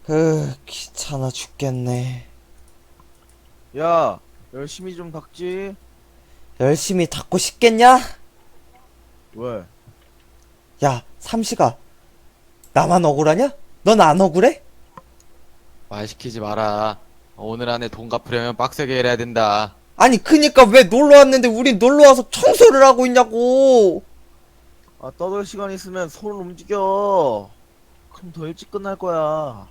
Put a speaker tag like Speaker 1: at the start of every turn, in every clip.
Speaker 1: 귀찮아 죽겠네.
Speaker 2: 야, 열심히 좀 닦지.
Speaker 1: 열심히 닦고 싶겠냐?
Speaker 2: 왜?
Speaker 1: 야, 삼시가 나만 억울하냐? 넌 안 억울해?
Speaker 3: 말 시키지 마라. 오늘 안에 돈 갚으려면 빡세게 일해야 된다.
Speaker 1: 아니, 그니까 왜 놀러 왔는데 우린 놀러 와서 청소를 하고 있냐고.
Speaker 2: 아, 떠들 시간 있으면 손을 움직여. 그럼 더 일찍 끝날 거야.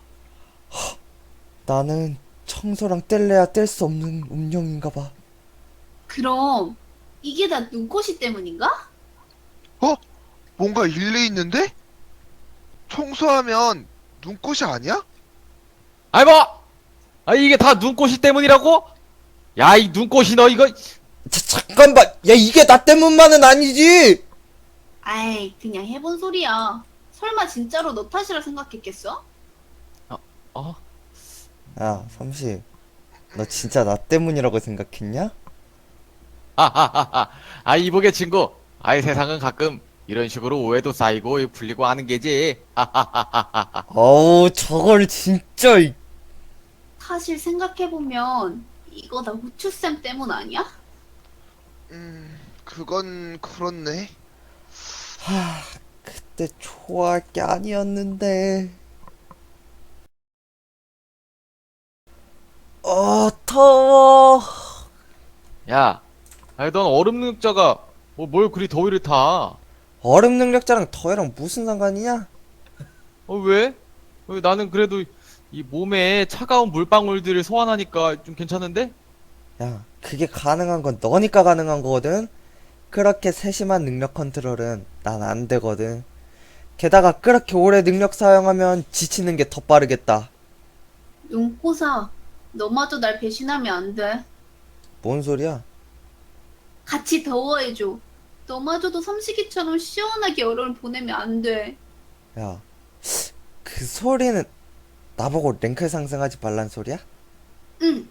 Speaker 1: 나는 청소랑 뗄래야 뗄 수 없는 운명인가 봐.
Speaker 4: 그럼 이게 다 눈꽃이 때문인가?
Speaker 5: 어? 뭔가 일리 있는데? 청소하면 눈꽃이 아니야?
Speaker 3: 아이 뭐! 아 이게 다 눈꽃이 때문이라고? 야 이 눈꽃이 너 이거
Speaker 1: 잠깐만. 야, 이게 나 때문만은 아니지.
Speaker 4: 아이, 그냥 해본 소리야. 설마 진짜로 너 탓이라 생각했겠어?
Speaker 3: 어?
Speaker 1: 야, 삼시. 너 진짜 나 때문이라고 생각했냐?
Speaker 3: 하하하하. 아 이보게 친구. 아이 세상은 가끔 이런 식으로 오해도 쌓이고 풀리고 하는 게지. 하하하하하.
Speaker 1: 어우, 저걸 진짜.
Speaker 4: 사실 생각해보면 이거 다 후추쌤 때문 아니야?
Speaker 5: 그건 그렇네.
Speaker 1: 그때 좋아할 게 아니었는데. 더워.
Speaker 3: 야, 아이 넌 얼음 능력자가 뭘 그리 더위를 타?
Speaker 1: 얼음 능력자랑 더위랑 무슨 상관이냐?
Speaker 3: 왜? 나는 그래도 이 몸에 차가운 물방울들을 소환하니까 좀 괜찮은데?
Speaker 1: 야, 그게 가능한 건 너니까 가능한 거거든? 그렇게 세심한 능력 컨트롤은 난 안 되거든. 게다가 그렇게 오래 능력 사용하면 지치는 게 더 빠르겠다.
Speaker 4: 눈꽃아, 너마저 날 배신하면 안 돼.
Speaker 1: 뭔 소리야?
Speaker 4: 같이 더워해줘. 너마저도 삼식이처럼 시원하게 여름을 보내면 안 돼.
Speaker 1: 야, 그 소리는 나보고 랭크 상승하지 말란 소리야?
Speaker 4: 응.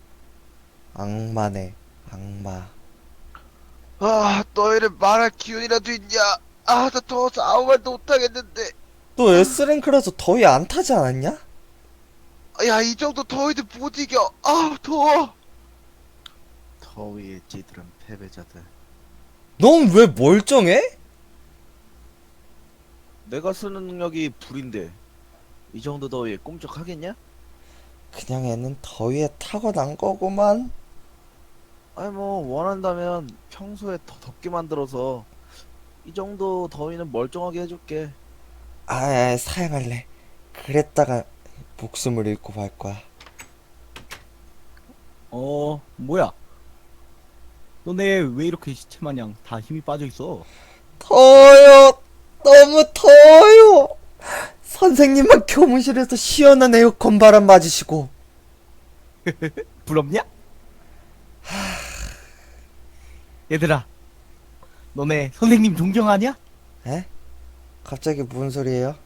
Speaker 1: 악마네, 악마.
Speaker 5: 아, 너희를 말할 기운이라도 있냐? 아, 나 더워서 아무 말도 못하겠는데.
Speaker 1: 너 S랭크라서 더위 안 타지 않았냐?
Speaker 5: 야, 이 정도 더위도 못 이겨. 아, 더워.
Speaker 2: 더위에 찌들은 패배자들.
Speaker 1: 넌 왜 멀쩡해?
Speaker 2: 내가 쓰는 능력이 불인데 이 정도 더위에 꼼짝하겠냐?
Speaker 1: 그냥 애는 더위에 타고난 거구만.
Speaker 2: 아니 뭐 원한다면 평소에 더 덥게 만들어서 이 정도 더위는 멀쩡하게 해줄게.
Speaker 1: 사양할래. 그랬다가 목숨을 잃고 말 거야.
Speaker 6: 뭐야? 너네 왜 이렇게 시체 마냥 다 힘이 빠져 있어?
Speaker 1: 더워요. 너무 더워요. 선생님만 교무실에서 시원한 에어컨 바람 맞으시고.
Speaker 6: 부럽냐? 얘들아, 너네 선생님 존경하냐?
Speaker 1: 에? 갑자기 무슨 소리예요?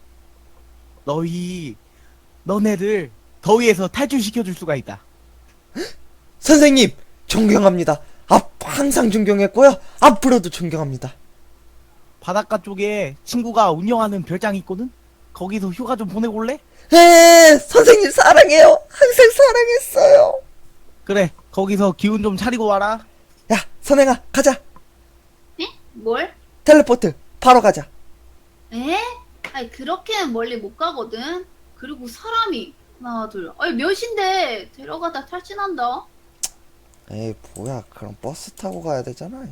Speaker 6: 너네를 더위에서 탈출시켜줄 수가 있다.
Speaker 1: 선생님 존경합니다. 항상 존경했고요. 앞으로도 존경합니다.
Speaker 6: 바닷가 쪽에 친구가 운영하는 별장이 있거든? 거기서 휴가 좀 보내고 올래?
Speaker 1: 선생님 사랑해요. 항상 사랑했어요.
Speaker 6: 그래, 거기서 기운 좀 차리고 와라.
Speaker 1: 야, 선행아, 가자.
Speaker 4: 에? 뭘?
Speaker 1: 텔레포트 바로 가자.
Speaker 4: 에? 아니, 그렇게는 멀리 못 가거든. 그리고 사람이 하나, 둘. 아니, 몇인데 데려가다 탈진한다.
Speaker 1: 에이, 뭐야, 그럼 버스 타고 가야 되잖아.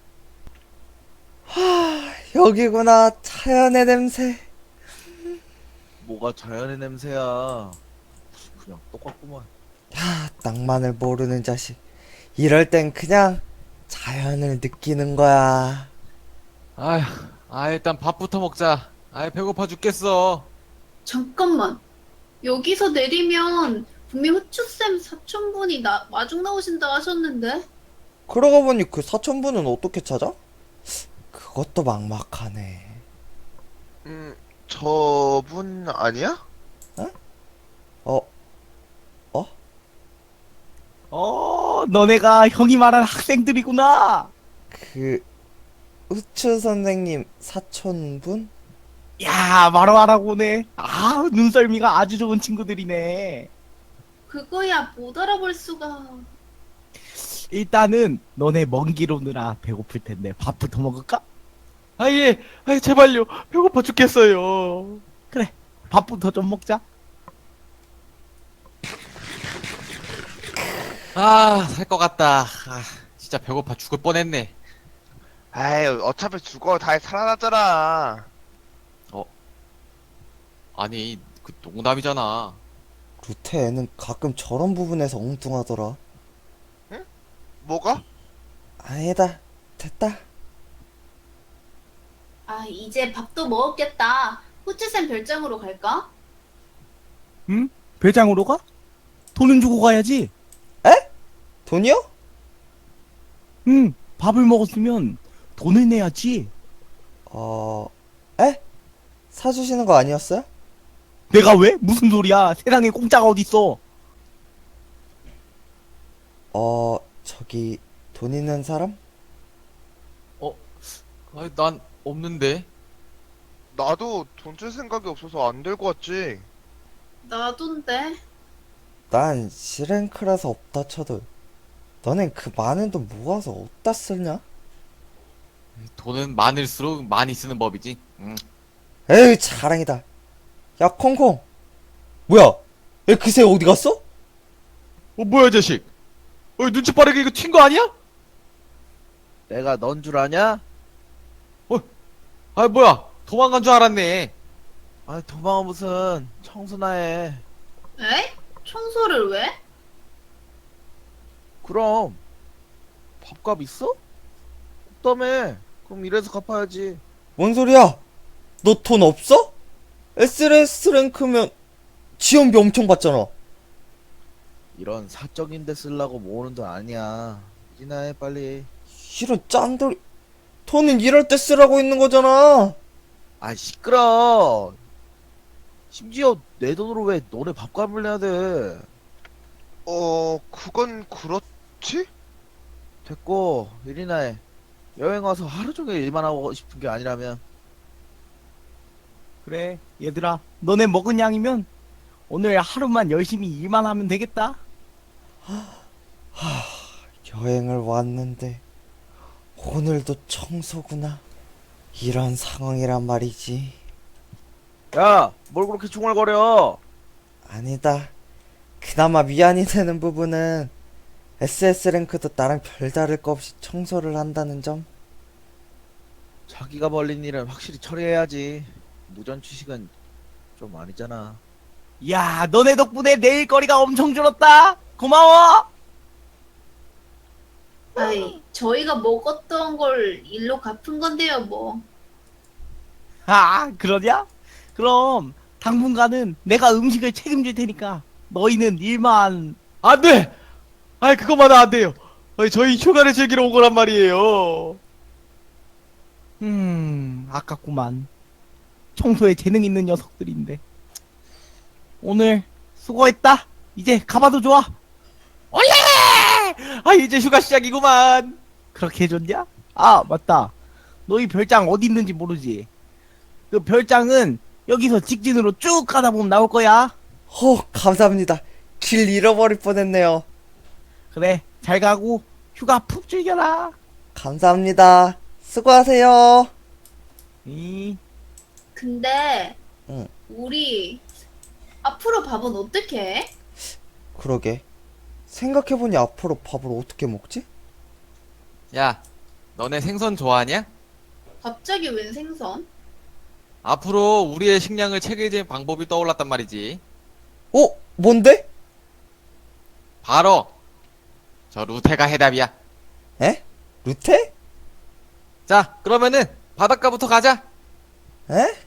Speaker 1: 여기구나. 자연의 냄새.
Speaker 2: 뭐가 자연의 냄새야. 그냥 똑같구만.
Speaker 1: 낭만을 모르는 자식. 이럴 땐 그냥 자연을 느끼는 거야.
Speaker 3: 아휴, 일단 밥부터 먹자. 배고파 죽겠어.
Speaker 4: 잠깐만. 여기서 내리면 분명 후추쌤 사촌분이 마중 나오신다 하셨는데?
Speaker 1: 그러고 보니 그 사천부는 어떻게 찾아? 그것도 막막하네.
Speaker 5: 저분 아니야?
Speaker 1: 어,
Speaker 6: 너네가 형이 말한 학생들이구나.
Speaker 1: 그 우추 선생님 사촌분?
Speaker 6: 야, 바로 알아보네. 눈썰미가 아주 좋은 친구들이네.
Speaker 4: 그거야 못 알아볼 수가.
Speaker 6: 일단은 너네 먼 길 오느라 배고플 텐데 밥부터 먹을까?
Speaker 3: 예. 제발요. 배고파 죽겠어요.
Speaker 6: 그래, 밥부터 좀 먹자.
Speaker 3: 살 것 같다. 진짜 배고파 죽을 뻔했네.
Speaker 5: 에이, 어차피 죽어. 다 살아났잖아.
Speaker 3: 아니, 그 농담이잖아.
Speaker 1: 루테 애는 가끔 저런 부분에서 엉뚱하더라.
Speaker 5: 뭐가?
Speaker 1: 아니다. 됐다.
Speaker 4: 아 이제 밥도 먹었겠다. 후추쌤 별장으로 갈까?
Speaker 6: 응? 배장으로 가? 돈은 주고 가야지.
Speaker 1: 돈이요?
Speaker 6: 응, 밥을 먹었으면 돈을 내야지.
Speaker 1: 에? 사주시는 거 아니었어요?
Speaker 6: 내가 왜? 무슨 소리야? 세상에 공짜가 어딨어?
Speaker 1: 저기, 돈 있는 사람?
Speaker 3: 난 없는데.
Speaker 5: 나도 돈 쓸 생각이 없어서 안 들고 왔지.
Speaker 4: 나도인데.
Speaker 1: 난 C랭크라서 없다 쳐도. 너넨 그 많은 돈 모아서 어디다 쓰냐?
Speaker 3: 돈은 많을수록 많이 쓰는 법이지.
Speaker 1: 에이, 자랑이다. 야, 콩콩. 뭐야? 얘 그새 어디 갔어?
Speaker 3: 뭐야, 자식? 눈치 빠르게 이거 튄 거 아니야?
Speaker 2: 내가 넌 줄 아냐?
Speaker 3: 뭐야? 도망간 줄 알았네.
Speaker 2: 아니 도망은 무슨 청소나 해.
Speaker 4: 에? 청소를 왜?
Speaker 2: 그럼 밥값 있어? 없다며. 그럼 이래서 갚아야지.
Speaker 1: 뭔 소리야? 너 돈 없어? SRS 랭크면 지원비 엄청 받잖아.
Speaker 2: 이런 사적인 데 쓰려고 모으는 돈 아니야. 이나 해 빨리.
Speaker 1: 이런 짠돌이. 돈은 이럴 때 쓰라고 있는 거잖아.
Speaker 2: 아 시끄러. 심지어 내 돈으로 왜 너네 밥값을 내야 돼.
Speaker 5: 그건 그렇지?
Speaker 2: 됐고 일이나 해. 여행 와서 하루 종일 일만 하고 싶은 게 아니라면.
Speaker 6: 그래, 얘들아. 너네 먹은 양이면 오늘 하루만 열심히 일만 하면 되겠다.
Speaker 1: 여행을 왔는데 오늘도 청소구나. 이런 상황이란 말이지.
Speaker 2: 야, 뭘 그렇게 중얼거려?
Speaker 1: 아니다. 그나마 미안이 되는 부분은 SS 랭크도 나랑 별다를 거 없이 청소를 한다는 점.
Speaker 2: 자기가 벌린 일은 확실히 처리해야지. 무전 취식은 좀 아니잖아.
Speaker 6: 야, 너네 덕분에 내 일거리가 엄청 줄었다. 고마워.
Speaker 4: 아이 저희가 먹었던 걸 일로 갚은 건데요 뭐.
Speaker 6: 그러냐? 그럼 당분간은 내가 음식을 책임질 테니까 너희는 일만.
Speaker 3: 안 돼! 그것만은 안 돼요. 저희 휴가를 즐기러 온 거란 말이에요.
Speaker 6: 아깝구만. 청소에 재능 있는 녀석들인데. 오늘 수고했다. 이제 가봐도 좋아.
Speaker 3: 이제 휴가 시작이구만.
Speaker 6: 그렇게 해줬냐? 맞다. 너희 별장 어디 있는지 모르지? 그 별장은 여기서 직진으로 쭉 가다 보면 나올 거야.
Speaker 1: 감사합니다. 길 잃어버릴 뻔했네요.
Speaker 6: 그래, 잘 가고 휴가 푹 즐겨라.
Speaker 1: 감사합니다. 수고하세요.
Speaker 6: 이
Speaker 4: 근데
Speaker 1: 응.
Speaker 4: 우리 앞으로 밥은 어떻게 해?
Speaker 1: 그러게. 생각해보니 앞으로 밥을 어떻게 먹지?
Speaker 3: 야, 너네 생선 좋아하냐?
Speaker 4: 갑자기 웬 생선?
Speaker 3: 앞으로 우리의 식량을 체계적인 방법이 떠올랐단 말이지.
Speaker 1: 뭔데?
Speaker 3: 바로 저 루테가 해답이야.
Speaker 1: 에? 루테?
Speaker 3: 자, 그러면은 바닷가부터 가자.
Speaker 1: 에?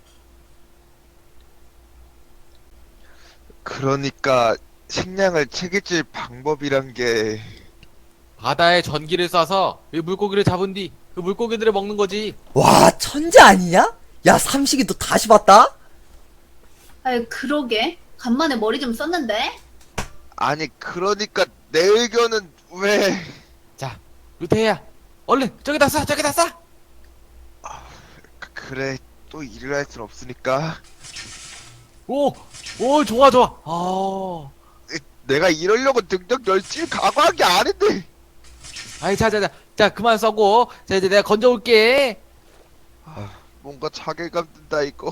Speaker 5: 그러니까 식량을 책임질 방법이란 게
Speaker 3: 바다에 전기를 쏴서 이 물고기를 잡은 뒤 그 물고기들을 먹는 거지.
Speaker 1: 와, 천재 아니냐? 야, 삼식이 너 다시 봤다?
Speaker 4: 아이 그러게 간만에 머리 좀 썼는데.
Speaker 5: 아니 그러니까 내 의견은 왜
Speaker 3: 자, 루테야, 얼른 저기다 쏴, 저기다 쏴.
Speaker 5: 그래 또 일을 할 순 없으니까
Speaker 3: 오, 오, 좋아, 좋아. 아,
Speaker 5: 내가 이러려고 능력 열심히 각오한 게 아닌데.
Speaker 3: 아이, 자, 자, 자, 자, 그만 써고. 자, 이제 내가 건져올게.
Speaker 5: 뭔가 자괴감 든다 이거.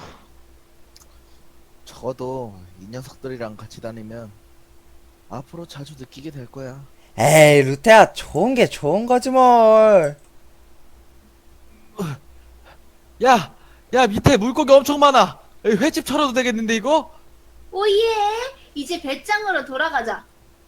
Speaker 2: 적어도 이 녀석들이랑 같이 다니면 앞으로 자주 느끼게 될 거야.
Speaker 1: 에이, 루테야, 좋은 게 좋은 거지, 뭘.
Speaker 3: 야, 야, 밑에 물고기 엄청 많아. 여기 횟집 차려도 되겠는데, 이거?
Speaker 4: 오예! 이제 배짱으로 돌아가자.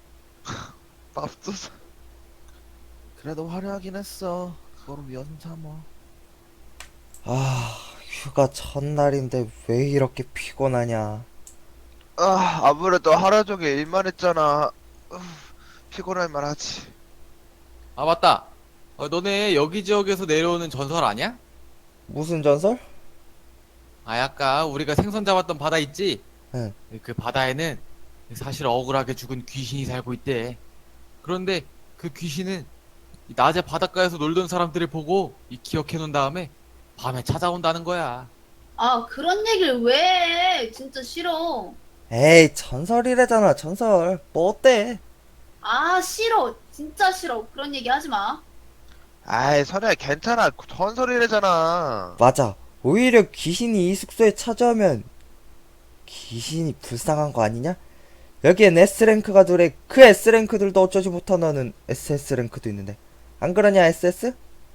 Speaker 5: 맙소사.
Speaker 2: 그래도 화려하긴 했어. 그거로 위험 삼어.
Speaker 1: 아, 휴가 첫날인데 왜 이렇게 피곤하냐.
Speaker 5: 아무래도 하루 종일 일만 했잖아. 피곤할 만하지.
Speaker 3: 아, 맞다. 너네 여기 지역에서 내려오는 전설 아니야?
Speaker 1: 무슨 전설?
Speaker 3: 아, 아까 우리가 생선 잡았던 바다 있지?
Speaker 1: 응.
Speaker 3: 그 바다에는 사실 억울하게 죽은 귀신이 살고 있대. 그런데 그 귀신은 이 낮에 바닷가에서 놀던 사람들을 보고 기억해 놓은 다음에 밤에 찾아온다는 거야.
Speaker 4: 아, 그런 얘기를 왜 해? 진짜 싫어.
Speaker 1: 에이, 전설이래잖아, 전설. 뭐 어때?
Speaker 4: 아, 싫어. 진짜 싫어. 그런 얘기 하지 마.
Speaker 5: 아이, 선우야, 괜찮아. 전설이래잖아.
Speaker 1: 맞아. 오히려 귀신이 이 숙소에 찾아오면 귀신이 불쌍한 거 아니냐? 여기엔 S랭크가 둘에 그 S랭크들도 어쩌지 못하는 SS랭크도 있는데. 안 그러냐, SS?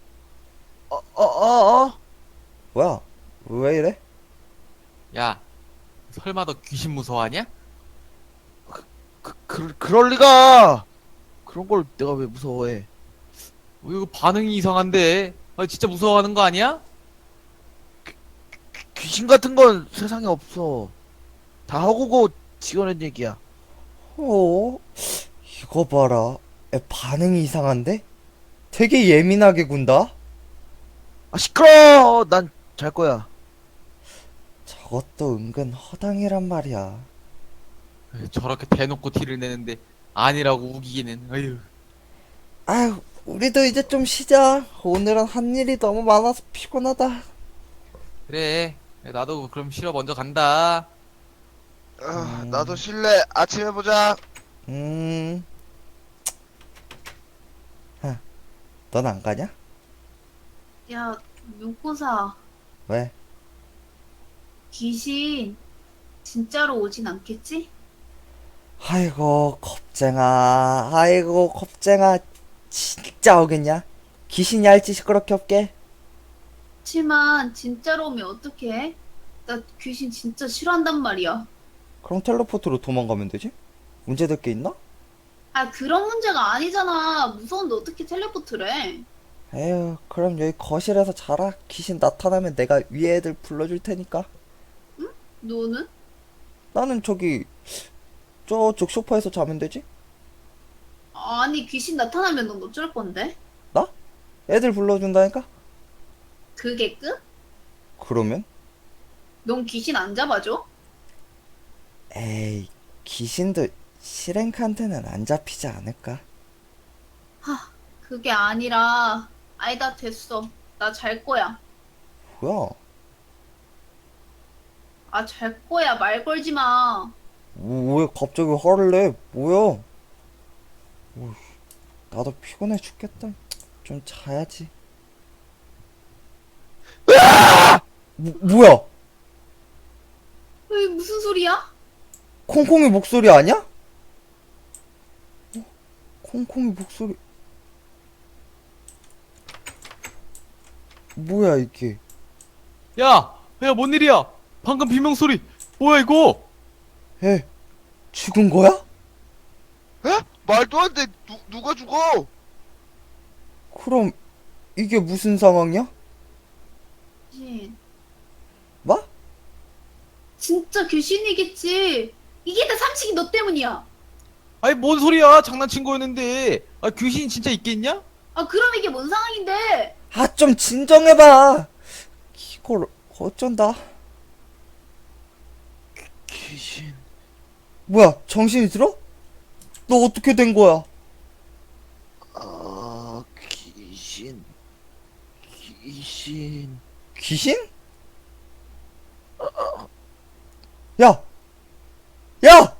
Speaker 1: 뭐야? 왜 이래?
Speaker 3: 야, 설마 너 귀신 무서워하냐?
Speaker 2: 그럴 리가! 그런 걸 내가 왜 무서워해?
Speaker 3: 이거 반응이 이상한데. 아, 진짜 무서워하는 거 아니야?
Speaker 2: 귀신 같은 건 세상에 없어. 다 허구고 지어낸 얘기야.
Speaker 1: 어? 이거 봐라. 반응이 이상한데? 되게 예민하게 군다?
Speaker 2: 아, 시끄러워! 난 잘 거야.
Speaker 1: 저것도 은근 허당이란 말이야.
Speaker 3: 저렇게 대놓고 티를 내는데 아니라고 우기기는. 어휴.
Speaker 1: 아휴, 우리도 이제 좀 쉬자. 오늘은 한 일이 너무 많아서 피곤하다.
Speaker 3: 그래. 나도 그럼 쉬러 먼저 간다.
Speaker 5: 나도 쉴래. 아침에 보자.
Speaker 1: 넌 안 가냐?
Speaker 4: 야, 윤고사.
Speaker 1: 왜?
Speaker 4: 귀신 진짜로 오진 않겠지?
Speaker 1: 아이고, 겁쟁아. 아이고, 겁쟁아. 진짜 오겠냐? 귀신이 할지 시끄럽게 없게.
Speaker 4: 그치만 진짜로 오면 어떡해? 나 귀신 진짜 싫어한단 말이야.
Speaker 1: 그럼 텔레포트로 도망가면 되지? 문제될 게 있나?
Speaker 4: 아, 그런 문제가 아니잖아. 무서운데 어떻게 텔레포트를 해?
Speaker 1: 에휴, 그럼 여기 거실에서 자라. 귀신 나타나면 내가 위에 애들 불러줄 테니까.
Speaker 4: 너는?
Speaker 1: 나는 저기 저쪽 소파에서 자면 되지?
Speaker 4: 아니, 귀신 나타나면 넌 어쩔 건데?
Speaker 1: 나? 애들 불러준다니까?
Speaker 4: 그게 끝?
Speaker 1: 그러면?
Speaker 4: 넌 귀신 안 잡아줘?
Speaker 1: 에이, 귀신도 시랭크한테는 안 잡히지 않을까?
Speaker 4: 그게 아니라, 아니다, 됐어. 나 잘 거야.
Speaker 1: 뭐야?
Speaker 4: 아, 잘 거야. 말 걸지 마.
Speaker 1: 왜 갑자기 화를 내? 뭐야? 어휴, 나도 피곤해 죽겠다. 좀 자야지. 뭐야?
Speaker 4: 에이, 무슨 소리야?
Speaker 1: 콩콩이 목소리 아니야? 콩콩이 목소리. 뭐야 이게?
Speaker 3: 야, 야, 뭔 일이야? 방금 비명 소리. 뭐야 이거?
Speaker 1: 에, 죽은 거야?
Speaker 5: 에? 말도 안 돼. 누가 죽어?
Speaker 1: 그럼 이게 무슨 상황이야?
Speaker 4: 귀신.
Speaker 1: 뭐?
Speaker 4: 진짜 귀신이겠지. 이게 다 삼식이 너 때문이야.
Speaker 3: 아니 뭔 소리야? 장난친 거였는데. 아, 귀신이 진짜 있겠냐?
Speaker 4: 아, 그럼 이게 뭔 상황인데?
Speaker 1: 아, 좀 진정해봐. 이걸 어쩐다.
Speaker 2: 귀신.
Speaker 1: 뭐야, 정신이 들어? 너 어떻게 된 거야?
Speaker 2: 귀신. 귀신.
Speaker 1: 귀신? 야! 야!